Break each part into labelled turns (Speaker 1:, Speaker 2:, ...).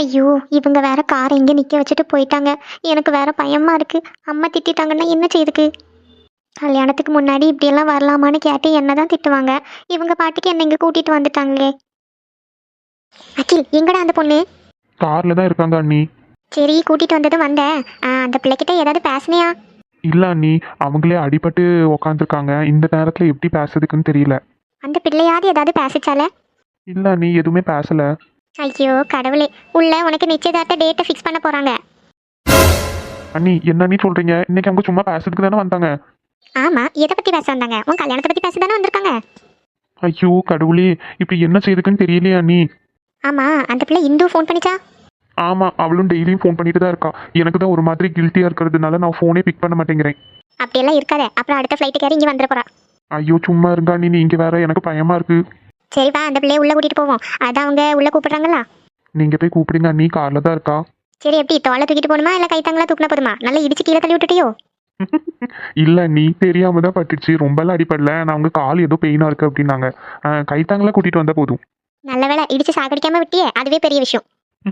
Speaker 1: ஐயோ, இவங்க வேற காரை இங்கே நிற்க வச்சுட்டு போயிட்டாங்க. எனக்கு வேற பயமா இருக்கு. அம்மா திட்டிட்டாங்கன்னா என்ன செய்யுதுக்கு? கல்யாணத்துக்கு முன்னாடி இப்படியெல்லாம் வரலாமான்னு கேட்டு என்ன தான் திட்டுவாங்க. இவங்க பாட்டுக்கு என்ன இங்கே கூட்டிட்டு வந்துட்டாங்களே. அகில், எங்கடா அந்த பொண்ணு?
Speaker 2: கார்ல தான் இருக்காங்க அண்ணி.
Speaker 1: சரி, கூட்டிட்டு வந்ததும் வந்தேன். அந்த பிள்ளைகிட்ட ஏதாவது பேசுனியா?
Speaker 2: இல்ல அண்ணி, அவங்களே அடிபட்டு உக்காந்துருக்காங்க. இந்த நேரத்துல எப்படி பேசுறதுக்குன்னு தெரியல.
Speaker 1: அந்த பிள்ளையாவது ஏதாவது பேசிச்சால?
Speaker 2: இல்ல அண்ணி, எதுவுமே பேசல.
Speaker 1: ஐயோ கடவுளே, உள்ள உனக்கு நிச்சயதார்த்த டேட்டை ஃபிக்ஸ் பண்ண போறாங்க.
Speaker 2: அண்ணி, என்ன அண்ணி சொல்றீங்க? இன்னைக்கு அவங்க சும்மா பேசுறதுக்கு தானே வந்தாங்க.
Speaker 1: ஆமா, எதை பத்தி பேச வந்தாங்க? உன் கல்யாணத்தை பத்தி பேச தானே வந்திருக்காங்க.
Speaker 2: ஐயோ கடவுளே, இப்படி என்ன செய்யுதுக்குன்னு தெரியலையே அண்ணி.
Speaker 1: ஆமா, அந்த பிள்ளை இந்து ஃபோன் பண்ணிச்சா?
Speaker 2: ஆமா, அவளும் டெய்லியும் ஃபோன் பண்ணிட்டு தான் இருக்கா. எனக்கு தான் ஒரு மாதிரி கில்ட்டியா இருக்கிறதுனால நான் ஃபோனே பிக் பண்ண மாட்டேங்கிறேன்.
Speaker 1: அப்படியெல்லாம் இருக்காதே, அப்புறம் அடுத்த ஃப்ளைட்டுக்கு ஏறி இங்கே வந்துட போறா.
Speaker 2: ஐயோ சும்மா இருங்க அண்ணி, நீங்க வேற, எனக்கு பயமா இருக்கு.
Speaker 1: சரி வா, அந்த பிள்ளைய உள்ள கூட்டிட்டு போவோம். அதான் அவங்க உள்ள கூப்பிடுறாங்களா?
Speaker 2: நீங்க போய் கூப்பிடுங்க அண்ணி, கார்ல தான் இருக்கா.
Speaker 1: சரி, எப்படி தோலை தூக்கிட்டு போகணுமா இல்லை கைத்தாங்களா தூக்கினா போதுமா? நல்லா இடிச்சு கீழே தள்ளி விட்டுட்டியோ?
Speaker 2: இல்ல நீ தெரியாம தான் பட்டுச்சு, ரொம்பலாம் அடிப்படல. நான் அவங்க கால் ஏதோ பெயினா இருக்கு அப்படின்னாங்க. கைத்தாங்களா கூட்டிட்டு வந்தா போதும்.
Speaker 1: நல்ல வேலை, இடிச்சு சாகடிக்காம விட்டியே, அதுவே பெரிய விஷயம்.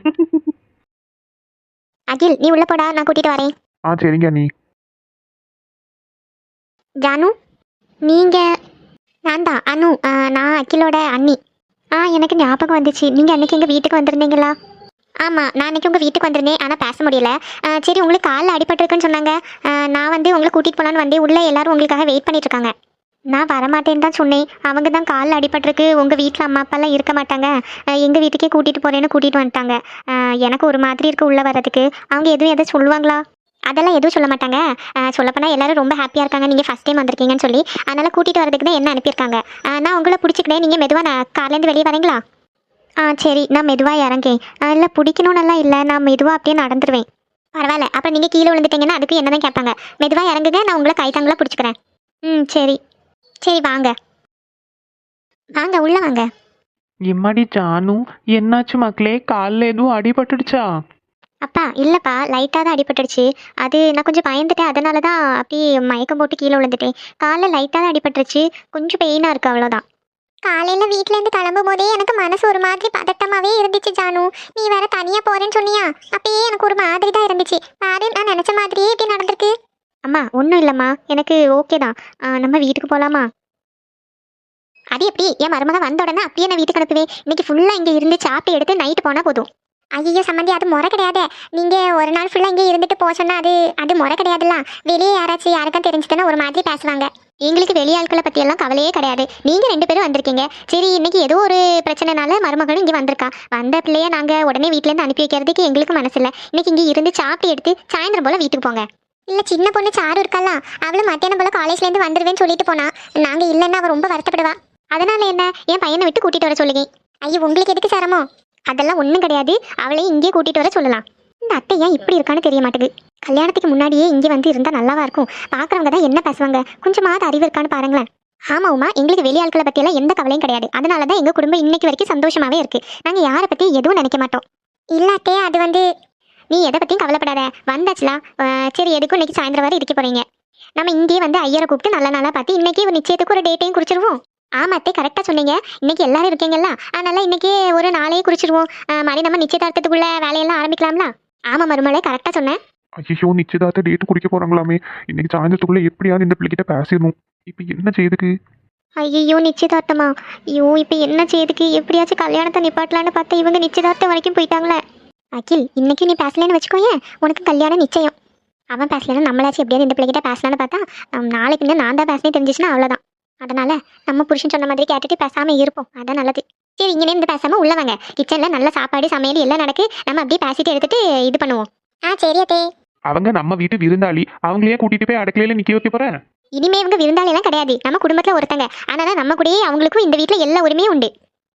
Speaker 1: அகில், நீ உள்ள போடா, நான் கூட்டிட்டு வரேன்.
Speaker 2: சரிங்க அண்ணி.
Speaker 1: ஜானு, நீங்க? நான் தான் அனு. நான் அகிலோட அண்ணி. எனக்கு ஞாபகம் வந்துச்சு, நீங்க அன்னைக்கு எங்க வீட்டுக்கு வந்திருந்தீங்களா? ஆமா, நான் அன்னைக்கு உங்க வீட்டுக்கு வந்திருந்தேன், ஆனா பேச முடியல. சரி, உங்களுக்கு காலில் அடிபட்டிருக்குன்னு சொன்னாங்க. நான் வந்து உங்களை கூட்டிட்டு போலான்னு வந்தேன். உள்ள எல்லாரும் உங்களுக்காக வெயிட் பண்ணிட்டு இருக்காங்க. நான் வரமாட்டேன்னு தான் சொன்னேன். அவங்க தான் காலில் அடிபட்டிருக்கு, உங்க வீட்டில் அம்மா அப்பாலாம் இருக்க மாட்டாங்க, எங்க வீட்டுக்கே கூட்டிட்டு போறேன்னு கூட்டிட்டு வந்துட்டாங்க. எனக்கு ஒரு மாதிரி இருக்கு உள்ள வர்றதுக்கு. அவங்க எதுவும் சொல்லுவாங்களா? அதெல்லாம் எதுவும் சொல்ல மாட்டாங்க. சொல்லப்போனால் எல்லாரும் ரொம்ப ஹாப்பியாக இருக்காங்க நீங்கள் ஃபஸ்ட் டைம் வந்திருக்கீங்கன்னு சொல்லி. அதனால் கூட்டிகிட்டு வரதுக்கு தான் என்ன அனுப்பியிருக்காங்க. நான் உங்களை பிடிச்சிக்கிட்டேன், நீங்கள் மெதுவாக நான் கார்லேருந்து வெளியே வரீங்களா? சரி, நான் மெதுவாக இறங்கேன். இல்லை பிடிக்கணும்னெல்லாம் இல்லை, நான் மெதுவாக அப்படியே நடந்துருவேன். பரவாயில்ல, அப்புறம் நீங்கள் கீழே விழுந்துட்டீங்கன்னா அதுக்கு என்ன தான் கேட்பாங்க. மெதுவாக இறங்குங்க, நான் உங்களை கைத்தாங்களா பிடிச்சிக்கிறேன். சரி சரி, வாங்க வாங்க, உள்ளே வாங்க.
Speaker 3: எம்மாடி ஜானு, என்னாச்சு மக்களே? காலில் எதுவும் அடிபட்டுடுச்சா?
Speaker 1: அப்பா இல்லைப்பா, லைட்டாக தான் அடிபட்டுடுச்சு. அது நான் கொஞ்சம் பயந்துட்டேன், அதனால தான் அப்படியே மயக்கம் போட்டு கீழே விழுந்துட்டேன். காலில் லைட்டாக தான் அடிபட்டுருச்சு, கொஞ்சம் பெயினாக இருக்குது, அவ்வளோதான். காலையில் வீட்டிலேருந்து கிளம்பும் போதே எனக்கு மனசு ஒரு மாதிரி பதட்டமாகவே இருந்துச்சு ஜானு. நீ வேற தனியாக போகிறேன்னு சொன்னியா, அப்பயே எனக்கு ஒரு மாதிரி தான் இருந்துச்சு. பாரு, நான் நினச்ச மாதிரியே இப்படி நடந்திருக்கு. அம்மா ஒன்றும் இல்லைம்மா, எனக்கு ஓகே தான். நம்ம வீட்டுக்கு போகலாமா? அது எப்படி? என் மருமக வந்த உடனே அப்படியே நான் வீட்டுக்கு அனுப்புவேன். இன்னைக்கு ஃபுல்லாக இங்கே இருந்து சாப்பிட்டு எடுத்து நைட்டு போனால் போதும். ஐயோ சம்மந்தி, அது முறை கிடையாது. நீங்கள் ஒரு நாள் ஃபுல்லாக இங்கே இருந்துட்டு போக சொன்னால் அது முறை கிடையாதுல்ல. வெளியே யாருக்கும் தெரிஞ்சுதுன்னா ஒரு மாதிரி பேசுவாங்க. எங்களுக்கு வெளி ஆட்களை பற்றியெல்லாம் கவலையே கிடையாது. நீங்கள் 2 பேரும் வந்திருக்கீங்க. சரி, இன்னைக்கு ஏதோ ஒரு பிரச்சனைனால மருமகளும் இங்கே வந்திருக்கா. வந்த பிள்ளைய நாங்கள் உடனே வீட்டிலேருந்து அனுப்பி வைக்கிறதுக்கு எங்களுக்கு மனசில்லை. இன்னைக்கு இங்கே இருந்து சாப்பிட்டு எடுத்து சாயந்தரம் போல் வீட்டுக்கு போங்க. இல்லை, சின்ன பொண்ணு சாரு இருக்காளா, அவளும் மத்தியானம் போல் காலேஜ்லேருந்து வந்துடுவேன்னு சொல்லிட்டு போனா. நாங்கள் இல்லைன்னா அவள் ரொம்ப வருத்தப்படுவா. அதனால என்ன, என் பையனை விட்டு கூட்டிகிட்டு வர சொல்லுங்க. ஐயோ, உங்களுக்கு எதுக்கு சிரமம்? அதெல்லாம் ஒன்றும் கிடையாது, அவளையும் இங்கே கூட்டிகிட்டு வர சொல்லலாம். இந்த அத்தை ஏன் இப்படி இருக்கான்னு தெரிய மாட்டேங்குது. கல்யாணத்துக்கு முன்னாடியே இங்கே வந்து இருந்தால் நல்லாவா இருக்கும். பார்க்குறவங்க தான் என்ன பேசுவாங்க, கொஞ்சமாவது அறிவு இருக்கான்னு பாருங்களேன். ஆமாம் உமா, எங்களுக்கு வெளி ஆட்களை பற்றியெல்லாம் எந்த கவலையும் கிடையாது. அதனால தான் எங்கள் குடும்பம் இன்னைக்கு வரைக்கும் சந்தோஷமாகவே இருக்குது. நாங்கள் யாரை பற்றி எதுவும் நினைக்க மாட்டோம். இல்லாட்டே அது வந்து, நீ எதை பற்றியும் கவலைப்படாத. வந்தாச்சுலா, சரி, எதுக்கும் இன்னைக்கு சாயந்தரம் வரை இருக்க போகிறீங்க. நம்ம இங்கேயே வந்து ஐயரை கூப்பிட்டு நல்ல நாளாக பார்த்து இன்னைக்கு ஒரு நிச்சயத்துக்கு ஒரு டேட்டையும் குறிச்சிருவோம். ஆமாத்தே, கரெக்டாக சொன்னீங்க. இன்னைக்கு எல்லாரும் இருக்கீங்கல்ல, அதனால இன்னைக்கு ஒரு நாளையே குறிச்சிருவோம். மாதிரி நம்ம நிச்சயதார்த்தத்துக்குள்ள வேலையெல்லாம் ஆரம்பிக்கலாம்ல. ஆமாம் மருமகளே, கரெக்டாக சொன்னேன்.
Speaker 2: ஐயோ, நிச்சயதார்த்த டேட்டு குடிக்க போறாங்களாமே. இன்னைக்கு சாயந்தரத்துக்குள்ள எப்படியாவது இந்த பிள்ளைகிட்ட பேசிடணும். இப்போ என்ன செய்யுதுக்கு?
Speaker 1: ஐயோ, நிச்சயதார்த்தமா? ஐயோ, இப்போ என்ன செய்யுதுக்கு? எப்படியாச்சும் கல்யாணத்தை நிப்பாட்டலான்னு பார்த்தா இவங்க நிச்சயதார்த்தம் வரைக்கும் போயிட்டாங்களே. அகில், இன்னைக்கு நீ பேசலன்னு வச்சுக்கோயே, உனக்கு கல்யாணம் நிச்சயம். அவன் பேசலன்னா நம்மளாச்சும் எப்படியாவது இந்த பிள்ளைகிட்ட பேசலான்னு பார்த்தா நாளைக்கு நான் தான் பேசினே தெரிஞ்சிச்சுன்னா அவ்வளோதான். அதனால நம்ம புருஷன் சொன்ன மாதிரி கேட்டுட்டு பேசாம இருப்போம், அதான் நல்லது. சரி, இங்கே இருந்து பேசாம உள்ள வாங்க. கிச்சன்ல நல்ல சாப்பாடு சமையல் எல்லாம் நடக்கு. நம்ம அப்படியே பேசிட்டு எடுத்துட்டு இது பண்ணுவோம். சரி அத்தே.
Speaker 2: அவங்க நம்ம வீட்டு விருந்தாளி, அவங்களையே கூட்டிட்டு போய் அடுக்கலையில நிக்க வைக்க போறேன்.
Speaker 1: இனிமே இவங்க விருந்தாளி எல்லாம் கிடையாது, நம்ம குடும்பத்துல ஒருத்தங்க. அதனால நம்ம கூடயே அவங்களுக்கும் இந்த வீட்டுல எல்லா உரிமையும் உண்டு.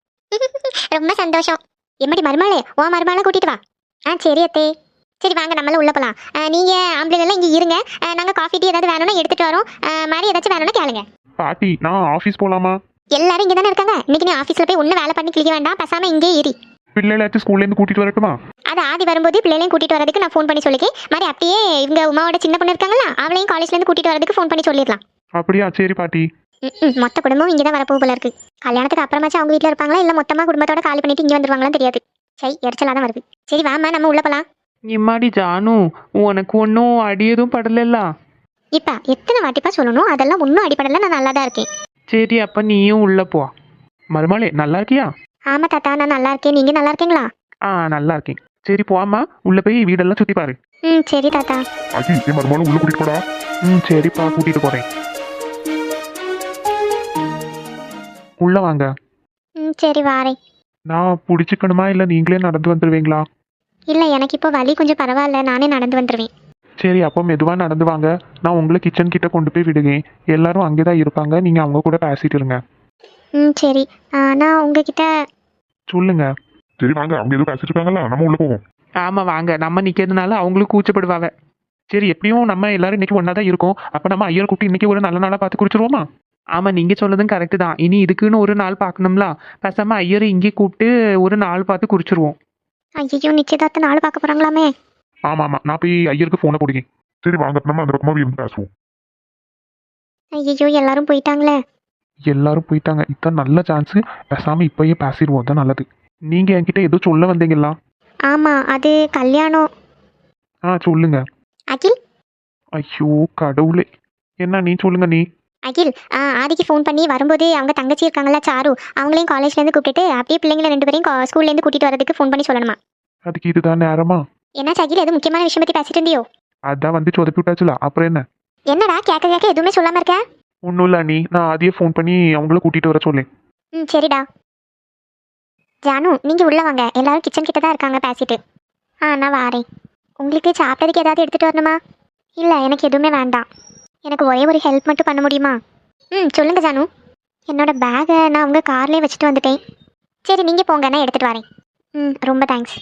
Speaker 1: ரொம்ப சந்தோஷம். எம்மடி மருமகளே, ஓ மருமகளை கூட்டிட்டு வா. சரி அத்தே. சரி வாங்க, நம்மளாம் உள்ள போலாம். நீங்க ஆம்பளைங்க எல்லாம் இங்கே இருங்க. நாங்க காஃபி டீ ஏதாவது வேணும்னா எடுத்துட்டு வரோம். மாதிரி ஏதாச்சும் வேணும்னா கேளுங்க.
Speaker 2: பாட்டி, நான் ஆபீஸ் போலாமா?
Speaker 1: எல்லாரும் இங்கே தானே இருக்காங்க. இன்னைக்கு நீ ஆஃபீஸில் போய் ஒன்றும் வேலை பண்ணி கிளிக்க வேண்டாம், பேசாமல் இங்கே ஏறி.
Speaker 2: பிள்ளைகளாச்சும் ஸ்கூல்லேருந்து கூட்டிட்டு வரட்டுமா?
Speaker 1: அது ஆதி வரும்போது பிள்ளைகளையும் கூட்டிட்டு வரதுக்கு நான் ஃபோன் பண்ணி சொல்லிக்கேன். மாதிரி அப்படியே இவங்க உமாவோட சின்ன பொண்ணு இருக்காங்களா, அவளையும் காலேஜ்லேருந்து கூட்டிட்டு வரதுக்கு ஃபோன் பண்ணி சொல்லிடலாம்.
Speaker 2: அப்படியா? சரி பாட்டி.
Speaker 1: மொத்த குடும்பம் இங்கே தான் வரப்போ போல இருக்கு. கல்யாணத்துக்கு அப்புறமாச்சும் அவங்க வீட்டில் இருப்பாங்களா, இல்லை மொத்தமாக குடும்பத்தோட காலி பண்ணிட்டு இங்கே வந்துருவாங்களான்னு தெரியாது. சரி எரிச்சலாக தான் வருது. சரி வாம்மா நம்ம உள்ளே போகலாம்.
Speaker 3: இம்மாடி ஜானு உனக்கு ஒன்றும் அடி எதுவும் படலைல்ல?
Speaker 1: இப்போ எத்தனை வாட்டிப்பா சொல்லணும், அதெல்லாம் ஒன்றும் அடிப்படலை, நான் நல்லா தான் இருக்கேன்.
Speaker 3: சரி அப்போ நீயும் உள்ளே போ.
Speaker 2: மருமகளே நல்லா இருக்கியா?
Speaker 1: ஆமாம் தாத்தா நான் நல்லா இருக்கேன், நீங்கள் நல்லா இருக்கீங்களா?
Speaker 2: நல்லா இருக்கேன். சரி போம்மா, உள்ள போய் வீடெல்லாம் சுற்றி பாரு.
Speaker 1: சரி தாத்தா.
Speaker 4: அஜி என் மருமகளும் உள்ள கூட்டிட்டு போடா.
Speaker 2: சரிப்பா கூட்டிட்டு போறேன். உள்ள வாங்க.
Speaker 1: சரி வாரேன்.
Speaker 2: நான் பிடிச்சிக்கணுமா இல்லை நீங்களே நடந்து வந்துடுவீங்களா?
Speaker 1: இல்லை எனக்கு இப்போ வலி கொஞ்சம் பரவாயில்ல, நானே நடந்து வந்துடுவேன்.
Speaker 2: சரி அப்போ மெதுவாக நடந்து வாங்க. நான் உங்களை கிச்சன் கிட்ட கொண்டு போய் விடுவேன். எல்லாரும் அங்கே தான் இருப்பாங்க, நீங்கள் அவங்க கூட பேசிட்டு இருங்க.
Speaker 1: சரி. நான் உங்ககிட்ட
Speaker 2: சொல்லுங்க.
Speaker 4: சரி வாங்க, அவங்க எதுவும் பேசிட்டு இருக்காங்களா, நம்ம உள்ள போவோம்.
Speaker 3: ஆமாம் வாங்க, நம்ம நிற்கிறதுனால அவங்களும் கூச்சப்படுவாங்க.
Speaker 2: சரி எப்படியும் நம்ம எல்லாரும் இன்னைக்கு ஒன்றா தான் இருக்கோம். அப்போ நம்ம ஐயர் கூப்பிட்டு இன்னைக்கு ஒரு நல்ல நாளாக பார்த்து குடிச்சிருவோமா?
Speaker 3: ஆமாம் நீங்கள் சொன்னதும் கரெக்டு தான். இனி இதுக்குன்னு ஒரு நாள் பார்க்கணும்ல. பேசாமல் ஐயரை இங்கே கூப்பிட்டு ஒரு நாள் பார்த்து குறிச்சிருவோம்.
Speaker 1: ஐயோ நிச்சயதார்த்த நாள் பார்க்க போகிறாங்களாமே.
Speaker 2: ஆமாம் நான் போய் ஐயருக்கு ஃபோனை பிடிக்கேன்.
Speaker 4: சரி வாங்க, நம்ம அந்த பக்கமா இருந்து பேசுவோம்.
Speaker 1: ஐயோ எல்லாரும் போயிட்டாங்களே.
Speaker 2: எல்லாரும் போயிட்டாங்க. இதான் நல்ல சான்ஸு. பேசாமல் இப்போயே பேசிடுவோம், தான் நல்லது. நீங்கள் என்கிட்ட ஏதோ சொல்ல வந்தீங்களா?
Speaker 1: ஆமாம் அது கல்யாணம்.
Speaker 2: சொல்லுங்க.
Speaker 1: அகில்.
Speaker 2: ஐயோ கடவுளே, என்ன நீ சொல்லுங்க நீ.
Speaker 1: அகில் ஆதிக்கு ஃபோன் பண்ணி வரும்போது அவங்க தங்கச்சி இருக்காங்களா சாரு, அவங்களையும் காலேஜ்லேருந்து கூப்பிட்டுட்டு அப்படியே பிள்ளைங்களை 2 பேரையும் ஸ்கூல்லேருந்து கூட்டிகிட்டு வரதுக்கு ஃபோன் பண்ணி சொல்லணுமா?
Speaker 2: அதுக்கு இதுதான் நேரமா?
Speaker 1: என்ன அகில் எதுவும் முக்கியமான விஷயம் பற்றி பேசிட்டு இருந்தியோ?
Speaker 2: அதான் வந்து சொதப்பி விட்டாச்சுல, அப்புறம் என்ன?
Speaker 1: என்னடா கேட்க கேட்க எதுவுமே சொல்லாமல் இருக்க?
Speaker 2: ஒன்றும் இல்லை நீ, நான் ஆதியே ஃபோன் பண்ணி அவங்கள கூட்டிகிட்டு வர சொல்லேன்.
Speaker 1: சரிடா. ஜானு நீங்கள் உள்ளே வாங்க, எல்லாரும் கிச்சன் கிட்ட தான் இருக்காங்க பேசிட்டு. நான் வாரேன். உங்களுக்கு சாப்பிட்றதுக்கு ஏதாவது எடுத்துகிட்டு வரணுமா? இல்லை எனக்கு எதுவுமே வேண்டாம். எனக்கு ஒரே ஒரு ஹெல்ப் மட்டும் பண்ண முடியுமா? சொல்லுங்க ஜானு. என்னோட பேகை நான் உங்கள் கார்லேயே வச்சுட்டு வந்துட்டேன். சரி நீங்கள் போங்க, நான் எடுத்துகிட்டு வரேன். ரொம்ப தேங்க்ஸ்.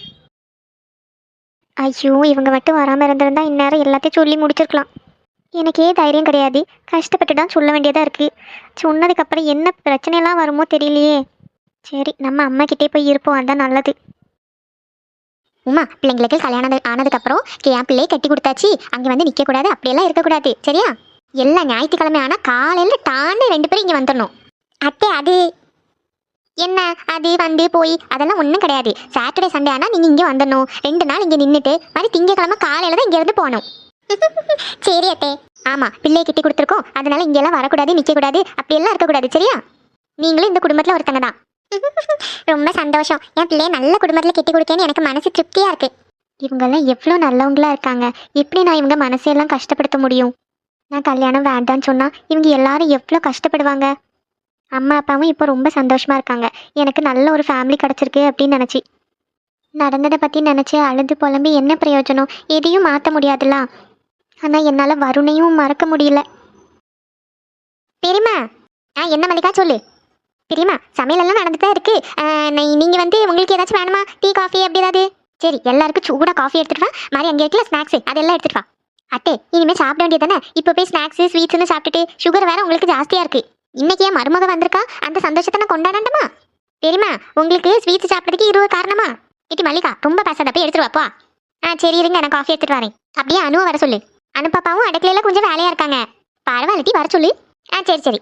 Speaker 1: ஐயோ இவங்க மட்டும் வராமல் இருந்திருந்தா இந்நேரம் எல்லாத்தையும் சொல்லி முடிச்சிருக்கலாம். எனக்கே தைரியம் கிடையாது, கஷ்டப்பட்டு தான் சொல்ல வேண்டியதாக இருக்குது. சொன்னதுக்கப்புறம் என்ன பிரச்சனையெல்லாம் வருமோ தெரியலையே. சரி நம்ம அம்மா கிட்டே போய் இருப்போம், அதுதான் நல்லது. உமா பிள்ளைங்களுக்கு கல்யாணம் ஆனதுக்கப்புறம் என் பிள்ளையை கட்டி கொடுத்தாச்சு, அங்கே வந்து நிற்கக்கூடாது, அப்படியெல்லாம் இருக்கக்கூடாது சரியா? எல்லா ஞாயிற்றுக்கிழமை ஆனால் காலையில் டாண்டு 2 பேரும் இங்கே வந்துடணும். அத்தை அது என்ன, அது வந்து போய் அதெல்லாம் ஒன்றும் கிடையாது. சாட்டர்டே சண்டே ஆனால் நீங்கள் இங்கே வந்துடணும். 2 நாள் இங்கே நின்றுட்டு மாதிரி திங்கக்கிழமை காலையில் தான் இங்கேருந்து போகணும். சரி அத்தே. ஆமாம் பிள்ளையை கட்டி கொடுத்துருக்கோம், அதனால இங்கெல்லாம் வரக்கூடாது, நிற்கக்கூடாது, அப்படியெல்லாம் இருக்கக்கூடாது சரியா? நீங்களும் இந்த குடும்பத்தில் ஒருத்தங்க தான். ரொம்ப சந்தோஷம், என் பிள்ளைய நல்ல குடும்பத்தில் கட்டி கொடுக்கேன்னு எனக்கு மனசு திருப்தியாக இருக்கு. இவங்கெல்லாம் எவ்வளோ நல்லவங்களா இருக்காங்க, எப்படி நான் இவங்க மனசையெல்லாம் கஷ்டப்படுத்த முடியும்? நான் கல்யாணம் வேண்டான்னு சொன்னால் இவங்க எல்லாரும் எவ்வளோ கஷ்டப்படுவாங்க. அம்மா அப்பாவும் இப்போ ரொம்ப சந்தோஷமாக இருக்காங்க, எனக்கு நல்ல ஒரு ஃபேமிலி கிடச்சிருக்கு அப்படின்னு நினச்சி. நடந்ததை பற்றி நினச்சி அழுது புலம்பி என்ன பிரயோஜனம்? எதையும் மாற்ற முடியாதுல்ல. ஆனால் என்னால் வருணையும் மறக்க முடியல. பெரியம்மா. என்ன மல்லிகா சொல்லு. பெரியம்மா சமையலெல்லாம் நடந்துட்டு தான் இருக்கு. நீங்கள் வந்து உங்களுக்கு ஏதாச்சும் வேணுமா? டீ காஃபி அப்படி ஏதாவது? சரி எல்லாருக்கும் சூடாக காஃபி எடுத்துட்டு வா. மாதிரி அங்கே இருக்கல ஸ்நாக்ஸு அதெல்லாம் எடுத்துட்டு வா. அட்டே இனிமேல் சாப்பிட வேண்டியது தானே, இப்போ போய் ஸ்நாக்ஸு ஸ்வீட்ஸ்னு சாப்பிட்டுட்டு சுகர் வேற உங்களுக்கு ஜாஸ்தியாக இருக்குது. இன்னைக்கு என் மருமக வந்திருக்கா, அந்த சந்தோஷத்தை நான் கொண்டாடண்டுமா? பெரியம்மா உங்களுக்கு ஸ்வீட்ஸ் சாப்பிட்றதுக்கு 20 காரணமா? இட்டி மல்லிகா ரொம்ப பேசாத, போய் எடுத்துட்டு வாப்பா. சரி இருங்க நான் காஃபி எடுத்துட்டு வரேன். அப்படியே அனுவை வர சொல்லு. அனுப்பாப்பாவும் அடுக்கலையில் கொஞ்சம் வேலையாக இருக்காங்க. பரவாயில்ல டீ வர சொல்லு. சரி.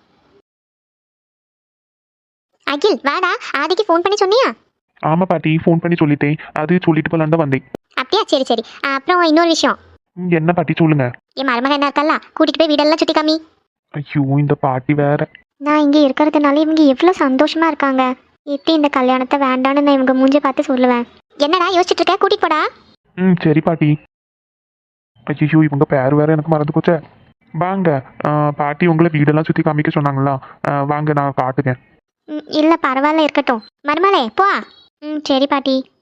Speaker 1: அகில் வாடா, ஆதிக்கு ஃபோன் பண்ணி சொன்னியா?
Speaker 2: ஆமாம் பாட்டி ஃபோன் பண்ணி சொல்லிட்டேன், அது சொல்லிட்டு போலான்னு தான் வந்தேன்.
Speaker 1: அப்படியா சரி. அப்புறம் இன்னொரு விஷயம்.
Speaker 2: என்ன பாட்டி சொல்லுங்க.
Speaker 1: என் மருமகன் என்ன இருக்கல்ல, கூட்டிகிட்டு போய் வீடெல்லாம் சுற்றி காமி.
Speaker 2: ஐயோ இந்த பாட்டி வேற.
Speaker 1: நான் இங்கே இருக்கிறதுனால இவங்க எவ்வளோ சந்தோஷமா இருக்காங்க. எப்படி இந்த கல்யாணத்தை வேண்டான்னு நான் இவங்க மூஞ்சி பார்த்து சொல்லுவேன். என்னடா யோசிச்சுட்டு இருக்க, கூட்டிட்டு போடா.
Speaker 2: சரி பாட்டி. ஐயோ இவங்க பேர் வேற எனக்கு மறந்து போச்சே. வாங்க பாட்டி உங்களை வீடெல்லாம் சுற்றி காமிக்க சொன்னாங்களா, வாங்க நான் காட்டுங்க.
Speaker 1: இல்லை பரவாயில்ல இருக்கட்டும். மருமகளே போ. சரி பாட்டி.